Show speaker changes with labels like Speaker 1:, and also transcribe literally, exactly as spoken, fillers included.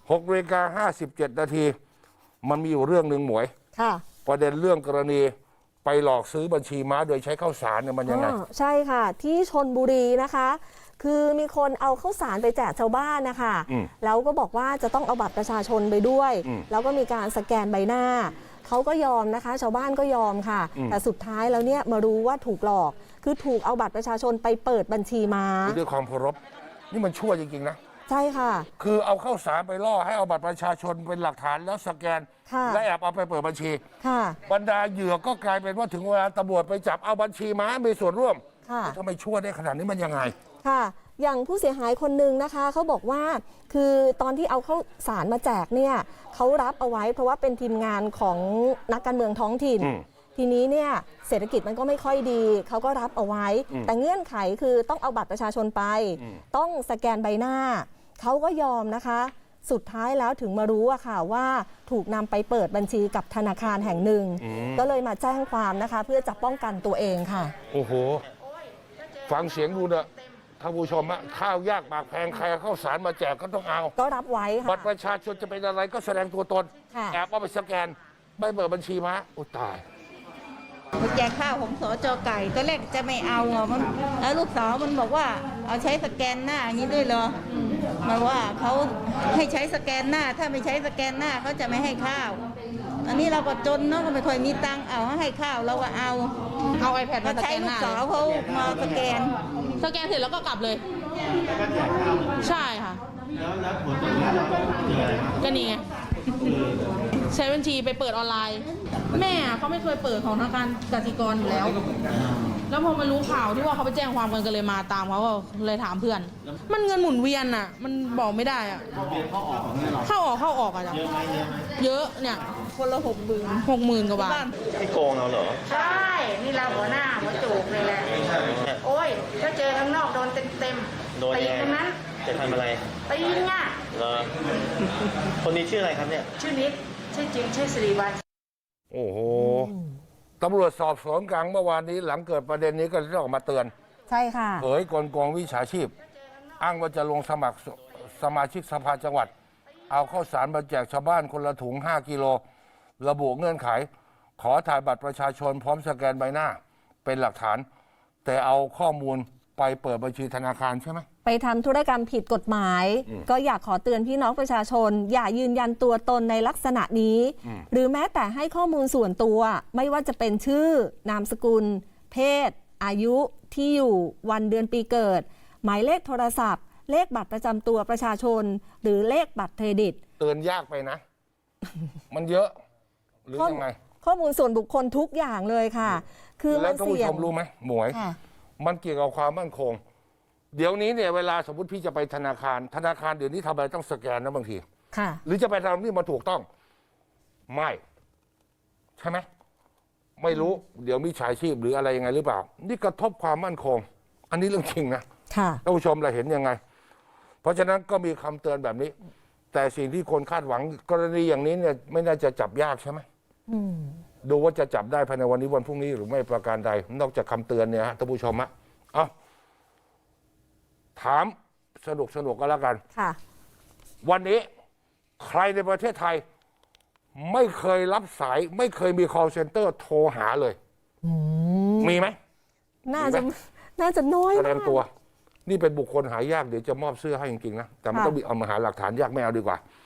Speaker 1: หกนาฬิกาห้าสิบเจ็ดนาทีมันมีอยู่เรื่องหนึ่งหมวย
Speaker 2: ค่ะ
Speaker 1: ประเด็นเรื่องกรณีไปหลอกซื้อบัญชีม้าโดยใช้ข้าวสารเนี่ยมันยังไง
Speaker 2: ใช่ค่ะที่ชลบุรีนะคะคือมีคนเอาข้าวสารไปแจกชาวบ้านนะคะแล้วก็บอกว่าจะต้องเอาบัตรประชาชนไปด้วยแล้วก็มีการสแกนใบหน้าเขาก็ยอมนะคะชาวบ้านก็ยอมค่ะแต่สุดท้ายแล้วเนี่ยมารู้ว่าถูกหลอกคือถูกเอาบัตรประชาชนไปเปิดบัญชีม้า
Speaker 1: ด้วยความเคารพนี่มันชั่วจริงๆนะ
Speaker 2: ใช่ค่ะ
Speaker 1: คือเอาข้าวสารไปล่อให้เอาบัตรประชาชนเป็นหลักฐานแล้วสแกนและแอบเอาไปเปิดบัญชีบรรดาเหยื่อก็กลายเป็นว่าถึงเวลาตำรวจไปจับเอาบัญชีม้ามีส่วนร่วมทำไมชั่วได้ขนาดนี้มันยังไง
Speaker 2: ค่ะอย่างผู้เสียหายคนหนึ่งนะคะเขาบอกว่าคือตอนที่เอาข้าวสารมาแจกเนี่ยเขารับเอาไว้เพราะว่าเป็นทีมงานของนักการเมืองท้องถิ่นทีนี้เนี่ยเศรษฐกิจมันก็ไม่ค่อยดีเขาก็รับเอาไว้แต่เงื่อนไขคือต้องเอาบัตรประชาชนไปต้องสแกนใบหน้าเขาก็ยอมนะคะสุดท้ายแล้วถึงมารู้อะค่ะว่าถูกนำไปเปิดบัญชีกับธนาคารแห่งหนึ่งก็เลยมาแจ้งความนะคะเพื่อจะป้องกันตัวเองค่ะ
Speaker 1: โอ้โหฟังเสียงดูเนอะท่านผู้ชมอะข้าวยากหมากแพงใครข้าวสารมาแจกก็ต้องเอา
Speaker 2: ก็รับไว้ค่ะ
Speaker 1: บัตรประชาชนจะเป็นอะไรก็แสดงตัวตนแอบเอาไปสแกนไม่เปิดบัญชีม้าโอ้ตาย
Speaker 3: แจกข้าวของสจไก่ตอนแรกจะไม่เอาอ่ะมันแล้วลูกสาวมันบอกว่าเอาใช้สแกนหน้าอย่างนี้ด้วยเหรอมันว่าเขาให้ใช้สแกนหน้าถ้าไม่ใช้สแกนหน้าเขาจะไม่ให้ข้าวอันนี้เราก็จนเนาะก็ไม่ค่อยมีตังค์เอาให้ข้าวเราก็เอา
Speaker 4: เอาไอแพดมาส
Speaker 3: แกนหน้าลูกสาวเขามาสแกน
Speaker 4: สแกนเสร็จแล้วก็กลับเลยใช่ค่ะแล้วผลก็นี่ไงใช้บัญชีไปเปิดออนไลน์แม่เขาไม่เคยเปิดของธนาคารกสิกรอยู่แล้วแล้วพอมารู้ข่าวที่ว่าเขาไปแจ้งความกันก็เลยมาตามเขาก็เลยถามเพื่อนมันเงินหมุนเวียนอ่ะมันบอกไม่ได้อ่ะเข้าออกเข้าออกอ่ะเยอะไหมเยอะเนี่ย
Speaker 3: คนละหกหมื่น
Speaker 4: หกหมื่นกว่าบาท
Speaker 5: ไม่โกงเราเหรอ
Speaker 3: ใช่นี่เราหัวหน้าหัวโจกเลยแหละโอ้ยถ้าเจอข้างนอกโดนเต็มเต็มตีตรงนั้น
Speaker 5: จะทำอะไร
Speaker 3: ตีเนี่ย
Speaker 5: เหรอคนนี้ชื่ออะไรครับเนี่ย
Speaker 3: ชื่อนิดชื่อจริงชื่อสิริวัฒน์
Speaker 1: โอ้โหตำรวจสอบสวนกลางเมื่อวานนี้หลังเกิดประเด็นนี้ก็ได้ออกมาเตือน
Speaker 2: ใช่ค่ะ
Speaker 1: เผยกลโกงวิชาชีพอ้างว่าจะลงสมัครสมาชิกสภาจังหวัดเอาข้าวสารมาแจกชาวบ้านคนละถุงห้ากิโลระบุเงื่อนไขขอถ่ายบัตรประชาชนพร้อมสแกนใบหน้าเป็นหลักฐานแต่เอาข้อมูลไปเปิดบัญชีธนาคารใช่ไหม
Speaker 2: ไปทำธุรกรรมผิดกฎหมายก็อยากขอเตือนพี่น้องประชาชนอย่ายืนยันตัวตนในลักษณะนี้หรือแม้แต่ให้ข้อมูลส่วนตัวไม่ว่าจะเป็นชื่อนามสกุลเพศอายุที่อยู่วันเดือนปีเกิดหมายเลขโทรศัพท์เลขบัตรประจำตัวประชาชนหรือเลขบัตรเครดิต
Speaker 1: เตือนยากไปนะ มันเยอะหรือยังไง
Speaker 2: ข้อมูลส่วนบุคคลทุกอย่างเลยค่ะคือ
Speaker 1: แล้วท่านผู้ชมรู้ไหมหมวยมันเกี่ยวกับความมั่นคงเดี๋ยวนี้เนี่ยเวลาสมมติพี่จะไปธนาคารธนาคารเดี๋ยวนี้ทำอะไรต้องสแกนนะบางที
Speaker 2: ค่ะ
Speaker 1: หรือจะไปทำนี่มาถูกต้องไม่ใช่ไหมไม่รู้เดี๋ยวมีฉายชีพหรืออะไรยังไงหรือเปล่านี่กระทบความมั่นคงอันนี้เรื่องจริงนะ
Speaker 2: ค่ะ
Speaker 1: ท่านผู้ชมเราเห็นยังไงเพราะฉะนั้นก็มีคำเตือนแบบนี้แต่สิ่งที่คนคาดหวังกรณีอย่างนี้เนี่ยไม่น่าจะจับยากใช่ไหมดูว่าจะจับได้ภายในวันนี้วันพรุ่งนี้หรือไม่ประการใดนอกจากคำเตือนเนี่ยฮะท่านผู้ชมฮะเอาถามสนุกสนุกก็แล้วกัน
Speaker 2: ค่ะ
Speaker 1: วันนี้ใครในประเทศไทยไม่เคยรับสายไม่เคยมี call center โทรหาเลยมีไหม
Speaker 2: น่าจะน่าจะน้อย
Speaker 1: แสดงตัวนี่เป็นบุคคลหายากเดี๋ยวจะมอบเสื้อให้จริงๆนะแต่ไม่ต้องมีเอามาหาหลักฐานยากไม่เอาดีกว่า